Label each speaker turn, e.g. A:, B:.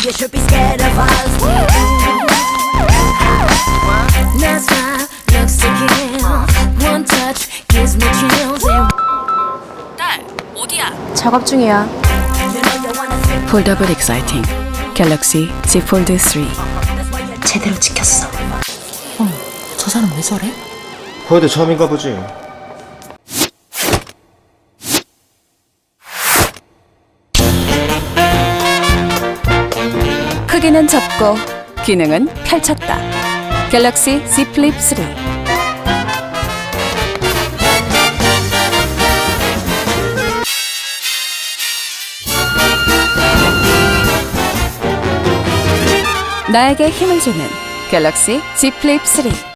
A: You should be scared of us. That smile looks to kill. One touch gives me chills.
B: 딸, 어디야?
C: 작업 중이야.
A: You know you wanna sit.
B: 폴더블 익사이팅 갤럭시 Z 폴드 3.
C: 제대로 찍혔어.
B: 저 사람 왜 저래?
D: 코에도 처음인가 보지.
B: 크기는 접고 기능은 펼쳤다. 갤럭시 Z 플립 3. 나에게 힘을 주는 갤럭시 Z 플립 3.